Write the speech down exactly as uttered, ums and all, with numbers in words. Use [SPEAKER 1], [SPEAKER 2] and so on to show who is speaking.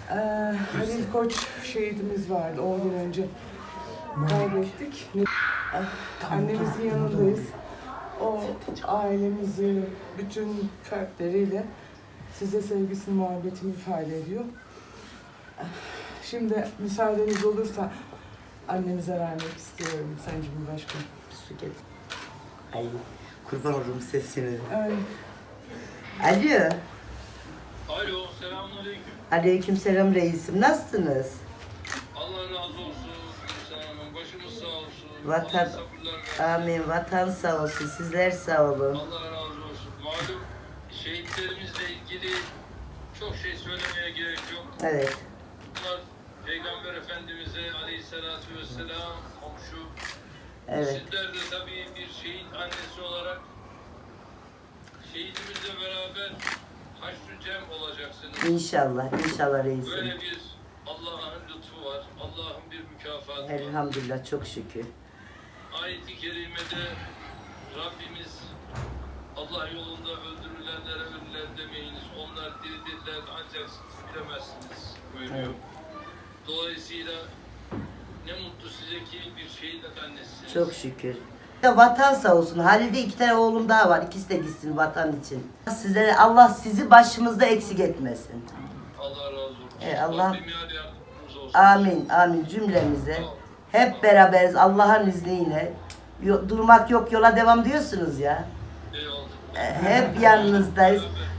[SPEAKER 1] Ee, Halil Koç şehidimiz vardı on gün önce. Kaybettik. Ah, Annemizin yanındayız. O ailemizi bütün fertleriyle size sevgisini, muhabbetini ifade ediyor. Şimdi müsaadeniz olursa annemize vermek istiyorum Sayın Cumhurbaşkanım.
[SPEAKER 2] Bir su getir. Ay kurban olurum sesini.
[SPEAKER 1] Ay,
[SPEAKER 2] Alo.
[SPEAKER 3] Alo, selamünaleyküm.
[SPEAKER 2] Aleykümselam reisim. Nasılsınız?
[SPEAKER 3] Allah razı olsun. Gülsen Hanım, başımız sağ olsun.
[SPEAKER 2] Vatan,
[SPEAKER 3] Allah sabırlar versin.
[SPEAKER 2] amin. Vatan sağ olsun. Sizler sağ olun.
[SPEAKER 3] Allah razı olsun. Malum şehitlerimizle ilgili çok şey söylemeye gerek yok.
[SPEAKER 2] Evet.
[SPEAKER 3] Bunlar Peygamber Efendimiz'e aleyhissalatü vesselam komşu.
[SPEAKER 2] Evet.
[SPEAKER 3] Sizler de tabii bir şehit annesi olarak şehidimizle beraber haşr-ı cem olacaksınız.
[SPEAKER 2] İnşallah. İnşallah reisim.
[SPEAKER 3] Böyle bir Allah'ın lütfu var. Allah'ın bir mükafatı var.
[SPEAKER 2] Elhamdülillah. Çok şükür.
[SPEAKER 3] Ayet-i kerimede Rabbimiz Allah yolunda öldürülenlere ölüler demeyiniz. Onlar diridirler ancak siz bilemezsiniz buyuruyor.
[SPEAKER 2] Evet.
[SPEAKER 3] Dolayısıyla ne mutlu size ki bir şehit annesisiniz.
[SPEAKER 2] Çok şükür. Ya vatan sağ olsun. Halil'de iki tane oğlum daha var. İkisi de gitsin vatan için. Sizlere Allah sizi başımızda eksik etmesin.
[SPEAKER 3] Allah razı olsun.
[SPEAKER 2] E, Allah-
[SPEAKER 3] Rabbim yar yardımcımız olsun.
[SPEAKER 2] Amin. Amin cümlemize. Hep beraberiz Allah'ın izniyle. Yo- Durmak yok yola devam diyorsunuz ya.
[SPEAKER 3] Eyvallah.
[SPEAKER 2] E, Hep yanınızdayız.